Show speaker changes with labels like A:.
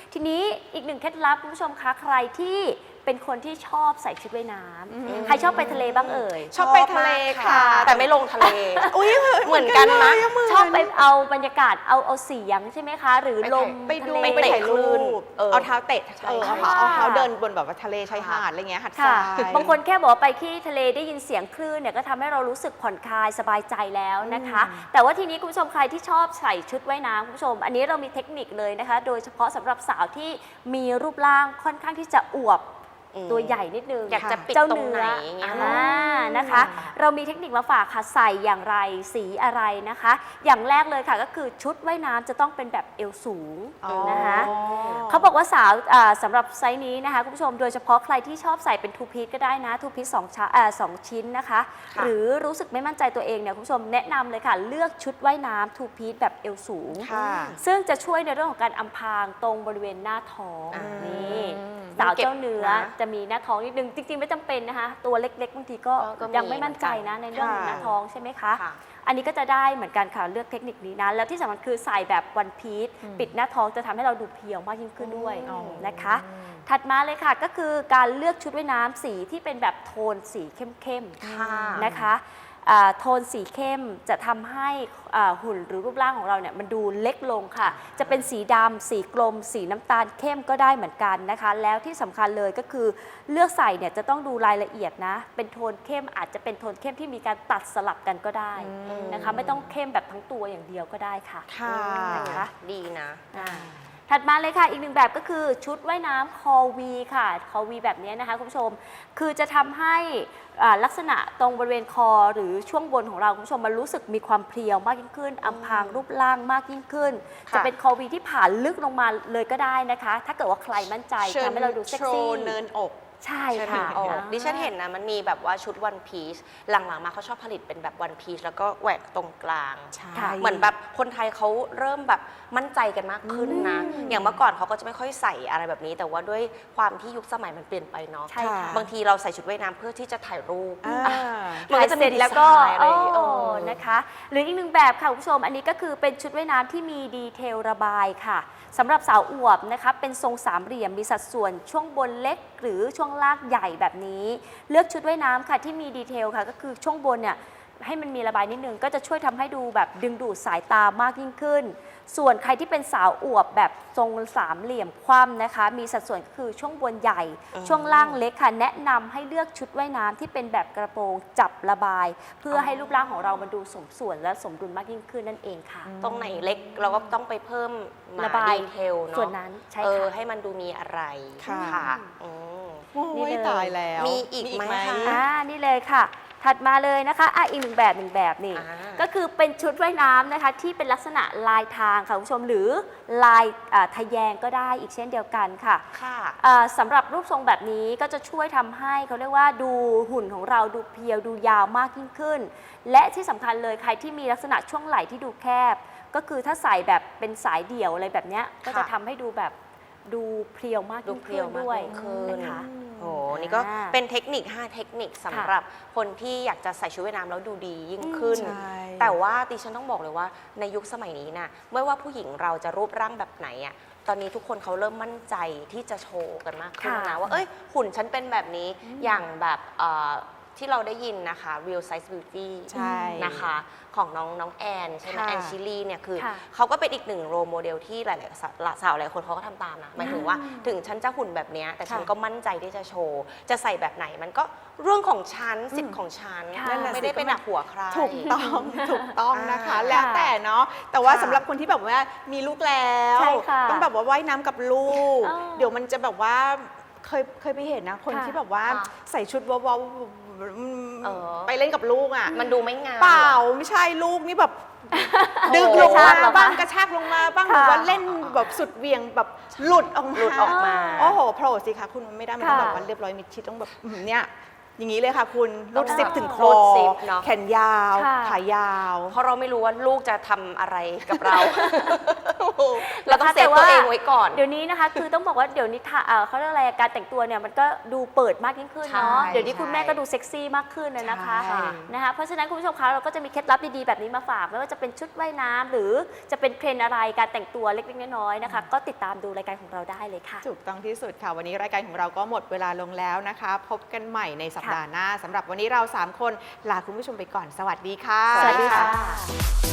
A: ทีนี้อีกหนึ่งเคล็ดลับคุณผู้ชมคะใครที่เป็นคนที่ชอบใส่ชุดว่ายน้ำใครชอบไปทะเลบ้างเอ่ย
B: ชอบไปทะเลค่ะแต่ไม่ลงทะเลอุ้ยเหมือนกันนะ
A: ชอบไปเอาบรรยากาศเอาเสียงใช่ไหมคะหรือลม
B: ไปดู
A: ทะเล
B: ไปถ่ายรูปเอาเท้าเตะ
A: เอา
B: เอาเท้าเดินบนแบบว่าทะเลชายหาดอะไรเงี้ยหัดทรา
A: ค่ะ
B: ย
A: บางคนแค่บอกว่าไปที่ทะเลได้ยินเสียงคลื่นเนี่ยก็ทำให้เรารู้สึกผ่อนคลายสบายใจแล้วนะคะ แต่ว่าทีนี้คุณผู้ชมใครที่ชอบใส่ชุดว่ายน้ำคุณผู้ชม อันนี้เรามีเทคนิคเลยนะคะ โดยเฉพาะสำหรับสาวที่มีรูปร่างค่อนข้างที่จะอวบตัวใหญ่นิดนึง
B: อยากจะปิด
A: เจ้า
B: ตรง
A: เนื้
B: ไหน
A: อ
B: อย่างเงี้ย
A: นะคะ เรามีเทคนิคมาฝากค่ะใส่อย่างไรสีอะไรนะคะ อย่างแรกเลยค่ะก็คือชุดว่ายน้ำจะต้องเป็นแบบเอวสูงนะคะเขาบอกว่าสาวสำหรับไซส์นี้นะคะคุณผู้ชมโดยเฉพาะใครที่ชอบใส่เป็นทูพีซก็ได้นะทูพีซสองชิ้นนะคะ หรือรู้สึกไม่มั่นใจตัวเองเนี่ยคุณผู้ชมแนะนำเลยค่ะเลือกชุดว่ายน้ำทูพีซแบบเอวสูง ซึ่งจะช่วยในเรื่องของการอำพรางตรงบริเวณหน้าท้องนี่สาวเจ้าเนื้อจะมีหน้าท้องนิดนึงจริงๆไม่จำเป็นนะคะตัวเล็กๆบางทีก็ยังไม่มั่นใจนะในเรื่องของหน้าท้องใช่ไหมคะอันนี้ก็จะได้เหมือนกันค่ะเลือกเทคนิคนี้นะแล้วที่สำคัญคือใส่แบบวันพีซปิดหน้าท้องจะทำให้เราดูเพรียวมากยิ่งขึ้นด้วยนะคะถัดมาเลยค่ะก็คือการเลือกชุดว่ายน้ำสีที่เป็นแบบโทนสีเข้มๆนะคะโทนสีเข้มจะทำให้หุ่นหรือรูปร่างของเราเนี่ยมันดูเล็กลงค่ะจะเป็นสีดำสีกลมสีน้ำตาลเข้มก็ได้เหมือนกันนะคะแล้วที่สำคัญเลยก็คือเลือกใส่เนี่ยจะต้องดูรายละเอียดนะเป็นโทนเข้มอาจจะเป็นโทนเข้มที่มีการตัดสลับกันก็ได้นะคะไม่ต้องเข้มแบบทั้งตัวอย่างเดียวก็ได้ค่ะนะคะ
B: ดีนะ
A: ถัดมาเลยค่ะอีกหนึ่งแบบก็คือชุดว่ายน้ำคอวีค่ะคอวีแบบนี้นะคะคุณผู้ชมคือจะทำให้ลักษณะตรงบริเวณคอหรือช่วงบนของเราคุณผู้ชมมันรู้สึกมีความเพรียวมากยิ่งขึ้นอำพรางรูปร่างมากยิ่งขึ้นจะเป็นคอวีที่ผ่านลึกลงมาเลยก็ได้นะคะถ้าเกิดว่าใครมั่นใจทำให้เราดูเซ็กซี่
B: เนินอก
A: ใช่ค่ะ
B: ดิฉันเห็นนะมันมีแบบว่าชุดวันพีซหลังๆมาเขาชอบผลิตเป็นแบบวันพีซแล้วก็แหวกตรงกลางเหมือนแบบคนไทยเขาเริ่มแบบมั่นใจกันมากขึ้นนะอย่างเมื่อก่อนเขาก็จะไม่ค่อยใส่อะไรแบบนี้แต่ว่าด้วยความที่ยุคสมัยมันเปลี่ยนไปเนาะบางทีเราใส่ชุดว่ายน้ำเพื่อที่จะถ่ายรูป
A: ถ่ายเสร็จแล้วก็นะคะหรืออีกหนึ่งแบบค่ะคุณผู้ชมอันนี้ก็คือเป็นชุดว่ายน้ำที่มีดีเทลระบายค่ะสำหรับสาวอวบนะคะเป็นทรงสามเหลี่ยมมีสัดส่วนช่วงบนเล็กหรือช่วงล่างใหญ่แบบนี้เลือกชุดว่ายน้ำค่ะที่มีดีเทลค่ะก็คือช่วงบนเนี่ยให้มันมีระบายนิดนึงก็จะช่วยทำให้ดูแบบดึงดูดสายตามากยิ่งขึ้นส่วนใครที่เป็นสาวอวบแบบทรงสามเหลี่ยมคว่ำนะคะมีสัดส่วนก็คือช่วงบนใหญ่ช่วงล่างเล็กค่ะแนะนำให้เลือกชุดว่ายน้ำที่เป็นแบบกระโปรงจับระบายเพื่อให้รูปร่างของเรามันดูสมส่วนและสมดุลมากยิ่งขึ้นนั่นเองค่ะ
B: ตรงไหนเล็กเราก็ต้องไปเพิ่ม
A: ระบาย
B: ดีเทลเนาะ
A: ส่วนนั้นใช่ค่ะ
B: ให้มันดูมีอะไรค่ะ
A: นี่เลย
B: ตายแล้วมีอีกไหมคะ
A: นี่เลยค่ะถัดมาเลยนะคะอีกหนึ่งแบบนี่ก็คือเป็นชุดว่ายน้ำนะคะที่เป็นลักษณะลายทางค่ะคุณผู้ชมหรือลายทะแยงก็ได้อีกเช่นเดียวกันค่ะสำหรับรูปทรงแบบนี้ก็จะช่วยทำให้เขาเรียกว่าดูหุ่นของเราดูเพียวดูยาวมากยิ่งขึ้นและที่สำคัญเลยใครที่มีลักษณะช่วงไหล่ที่ดูแคบก็คือถ้าใส่แบบเป็นสายเดี่ยวอะไรแบบนี้ก็จะทำให้ดูแบบดูเพรียวมากยิ่งขึ้นด้วยนะคะ
B: โอ้นี่ก็เป็นเทคนิค5เทคนิคสำหรับคนที่อยากจะใส่ชุดว่ายน้ำแล้วดูดียิ่งขึ้นแต่ว่าดิฉันต้องบอกเลยว่าในยุคสมัยนี้นะไม่ว่าผู้หญิงเราจะรูปร่างแบบไหนอ่ะตอนนี้ทุกคนเขาเริ่มมั่นใจที่จะโชว์กันมากขึ้นนะว่าเอ้ยหุ่นฉันเป็นแบบนี้อย่างแบบที่เราได้ยินนะคะ Real Size Beauty นะคะของน้องแอนใช่ไหมแอนชิลีเนี่ยคือเขาก็เป็นอีกหนึ่งโรโมเดลที่หลายๆสาวหลายคนเขาก็ทำตามนะหมายถึงว่าถึงฉันจะหุ่นแบบนี้แต่ฉันก็มั่นใจที่จะโชว์จะใส่แบบไหนมันก็เรื่องของฉันสิทธิ์ของฉันไม่ได้เป็นหนักหัวใคร
C: ถูกต้องนะคะแล้วแต่เนาะแต่ว่าสำหรับคนที่แบบว่ามีลูกแล้วต้องแบบว่าว่ายน้ำกับลูกเดี๋ยวมันจะแบบว่าเคยไปเห็นนะคนที่แบบว่าใส่ชุดว้าวไปเล่นกับลูกอ่ะ
B: มันดูไม่งาม
C: เปล่าไม่ใช่ลูกนี่แบบดึงลงมาบ้างกระชากลงมาบ้างหรือว่าเล่นแบบสุดเวียงแบบหลุดออกมาโอ้โหโผล่สิคะคุณไม่ได้มันต้องแบบว่าเรียบร้อยมิดชิดต้องแบบเนี่ยอย่างนี้เลยค่ะคุณรูดซิปถึงค
B: รู
C: อ
B: ดซิปเนอะ
C: แขนยาว
A: ค่ะ
C: ขายาว
B: เพราะเราไม่รู้ว่าลูกจะทำอะไรกับเรา เราต้องเซฟ
A: แต่ว่า
B: ตัวเองไว้ก่อน
A: เดี๋ยวนี้นะคะ คือต้องบอกว่าเดี๋ยวนี้เขาเรียกอะไรการแต่งตัวเนี่ยมันก็ดูเปิดมากยิ่งขึ้นเนาะ
C: ใช่
A: เดี๋ยวนี้คุณแม่ก็ดูเซ็กซี่มากขึ้นนะคะ
C: ใช่
A: นะคะเพราะฉะนั้นคุณผู้ชมคะเราก็จะมีเคล็ดลับดีๆแบบนี้มาฝากไม่ว่าจะเป็นชุดว่ายน้ำหรือจะเป็นเทรนด์อะไรการแต่งตัวเล็กๆน้อยๆนะคะก็ติดตามดูรายการของเราได้เลยค่ะ
C: ถูกต้องที่สุดค่ะวันนี้รายการของเราก็หมดเวลาลงแล้วนะคะ พบกันใหม่ในสัปดาห์หน้าสำหรับวันนี้เรา 3 คนลาคุณผู้ชมไปก่อนสวัสดีค่ะ
A: สวัสดีค่ะ